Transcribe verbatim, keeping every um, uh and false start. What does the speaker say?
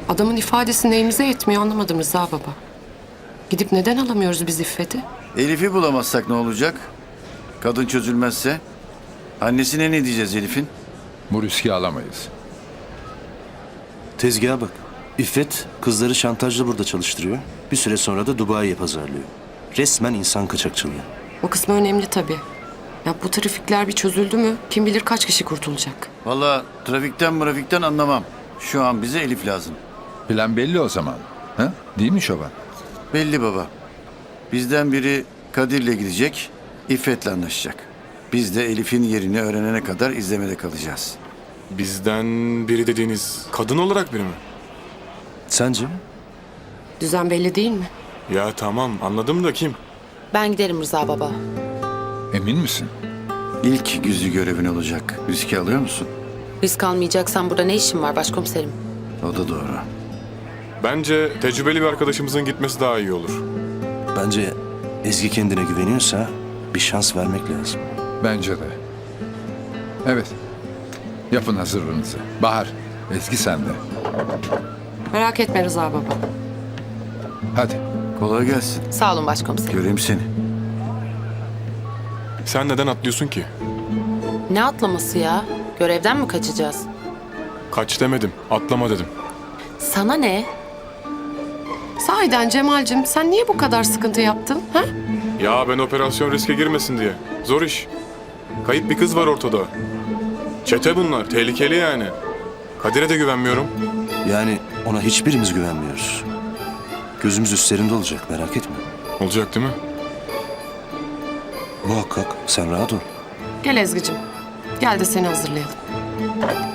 Adamın ifadesi neyimize yetmiyor anlamadım Rıza baba. Gidip neden alamıyoruz biz İffet'i? Elif'i bulamazsak ne olacak? Kadın çözülmezse? Annesine ne diyeceğiz Elif'in? Bu riski alamayız. Tezgaha bak. İffet kızları şantajla burada çalıştırıyor. Bir süre sonra da Dubai'ye pazarlıyor. Resmen insan kaçakçılığı. O kısmı önemli tabii. Ya bu trafikler bir çözüldü mü kim bilir kaç kişi kurtulacak. Vallahi trafikten mırafikten anlamam. Şu an bize Elif lazım. Plan belli o zaman. Ha? Değil mi Şoban? Belli baba. Bizden biri Kadir'le gidecek, İffet'le anlaşacak. Biz de Elif'in yerini öğrenene kadar izlemede kalacağız. Bizden biri dediğiniz kadın olarak biri mi? Sence? Düzen belli değil mi? Ya tamam anladım da kim? Ben giderim Rıza baba. Emin misin? İlk yüzü görevin olacak. Riski alıyor musun? Risk almayacaksan burada ne işin var başkomiserim? O da doğru. Bence tecrübeli bir arkadaşımızın gitmesi daha iyi olur. Bence Ezgi kendine güveniyorsa bir şans vermek lazım. Bence de. Evet. Yapın hazırlığınızı. Bahar, Ezgi sende. Merak etme Rıza baba. Hadi. Kolay gelsin. Sağ olun başkomiserim. Göreyim seni. Sen neden atlıyorsun ki? Ne atlaması ya? Görevden mi kaçacağız? Kaç demedim, atlama dedim. Sana ne? Sahiden Cemal'cim sen niye bu kadar sıkıntı yaptın? Ha? Ya ben operasyon riske girmesin diye. Zor iş. Kayıp bir kız var ortada. Çete bunlar, tehlikeli yani. Kadir'e de güvenmiyorum. Yani ona hiçbirimiz güvenmiyoruz. Gözümüz üstlerinde olacak, merak etme. Olacak değil mi? Muhakkak, sen rahat ol. Gel Ezgi'cim. Gel de seni hazırlayalım.